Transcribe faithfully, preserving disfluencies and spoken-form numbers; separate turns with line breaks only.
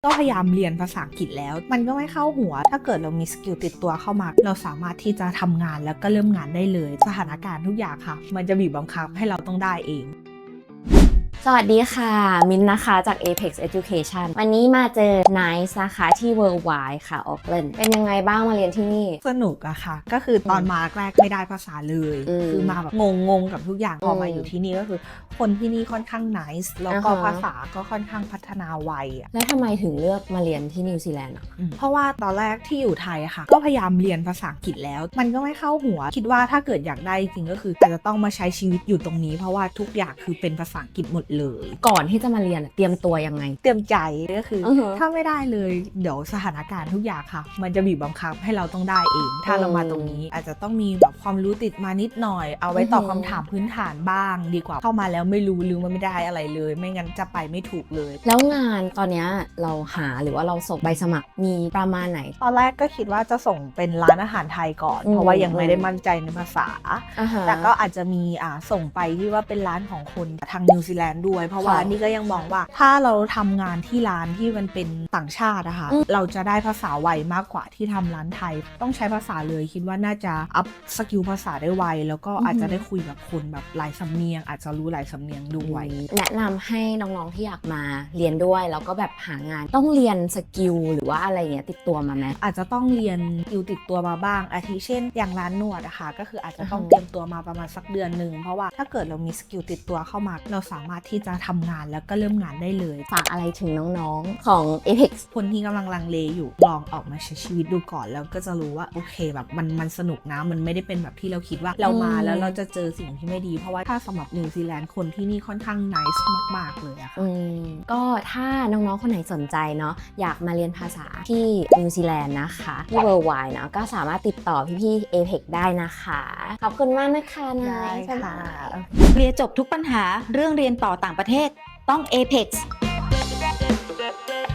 ก็พยายามเรียนภาษาอังกฤษแล้วมันก็ไม่เข้าหัวถ้าเกิดเรามีสกิลติดตัวเข้ามาเราสามารถที่จะทำงานแล้วก็เริ่มงานได้เลยสถานการณ์ทุกอย่างค่ะมันจะบีบบังคับให้เราต้องได้เอง
สวัสดีค่ะมินนะคะจาก Apex Education วันนี้มาเจอ Nice นะคะที่ Worldwide ค่ะ Auckland เป็นยังไงบ้างมาเรียนที่นี่
สนุกอะค่ะก็คือตอนมาแรกไม่ได้ภาษาเลยคือมาแบบงงๆกับทุกอย่างพอมาอยู่ที่นี่ก็คือคนที่นี่ค่อนข้าง nice แล้วก็ภาษาก็ค่อนข้างพัฒนาไวอะ
แล้วทำไมถึงเลือกมาเรียนที่นิวซีแลนด์อ่ะ
เพราะว่าตอนแรกที่อยู่ไทยอะค่ะก็พยายามเรียนภาษาอังกฤษแล้วมันก็ไม่เข้าหัวคิดว่าถ้าเกิดอยากได้จริงก็คืออาจจะต้องมาใช้ชีวิตอยู่ตรงนี้เพราะว่าทุกอย่างคือเป็นภาษาอังกฤษหมดเลย
ก่อนที่จะมาเรียนเตรียมตัวยังไง
เตรียมใจก็คือถ้าไม่ได้เลยเดี๋ยวสถานการณ์ทุกอย่างค่ะมันจะบีบบังคับให้เราต้องได้เองถ้าเรามาตรงนี้อาจจะต้องมีแบบความรู้ติดมานิดหน่อยเอาไว้ตอบคำถามพื้นฐานบ้างดีกว่าเข้ามาแล้วไม่รู้หรือมันไม่ได้อะไรเลยไม่งั้นจะไปไม่ถูกเลย
แล้วงานตอนนี้เราหาหรือว่าเราส่งใบสมัครมีประมาณไหน
ตอนแรกก็คิดว่าจะส่งเป็นร้านอาหารไทยก่อนเพราะว่ายังไม่ได้มั่นใจในภาษาแต่ก็อาจจะมีอ่าส่งไปที่ว่าเป็นร้านของคนทางนิวซีแลนด์ด้วยเพราะว่านี่ก็ยังมองว่าถ้าเราทำงานที่ร้านที่มันเป็นต่างชาติอะค่ะเราจะได้ภาษาไวมากกว่าที่ทำร้านไทยต้องใช้ภาษาเลยคิดว่าน่าจะอัพสกิลภาษาได้ไวแล้วก็อาจจะได้คุยกับคนแบบหลายสำเนียงอาจจะรู้หลายสำเนียงด้วย
แนะนำให้น้องๆที่อยากมาเรียนด้วยแล้วก็แบบหางานต้องเรียนสกิลหรือว่าอะไรเงี้ยติดตัวมาไหม
อาจจะต้องเรียนสกิลติดตัวมาบ้างอาทิเช่นอย่างร้านนวดอะค่ะก็คืออาจจะต้องเตรียมตัวมาประมาณสักเดือนหนึ่งเพราะว่าถ้าเกิดเรามีสกิลติดตัวเข้ามาเราสามารถที่จะทำงานแล้วก็เริ่มงานได้เลย
ฝากอะไรถึงน้องๆของ Apex
คนที่กำลังลังเลอยู่ลองออกมาใช้ชีวิตดูก่อนแล้วก็จะรู้ว่าโอเคแบบมันมันสนุกนะมันไม่ได้เป็นแบบที่เราคิดว่าเรามาแล้วเราจะเจอสิ่งที่ไม่ดีเพราะว่าถ้าสำหรับนิวซีแลนด์คนที่นี่ค่อนข้างนิสมากๆเลยอะค่ะ
ก็ถ้าน้องๆคนไหนสนใจเนาะอยากมาเรียนภาษาที่นิวซีแลนด์นะคะที่ Worldwide เนาะก็สามารถติดต่อพี่ๆ Apex ได้นะคะขอบคุณมากนะคะนาย
ค่ะ
เคลียร์จบทุกปัญหาเรื่องเรียนต่อต่างประเทศต้อง Apex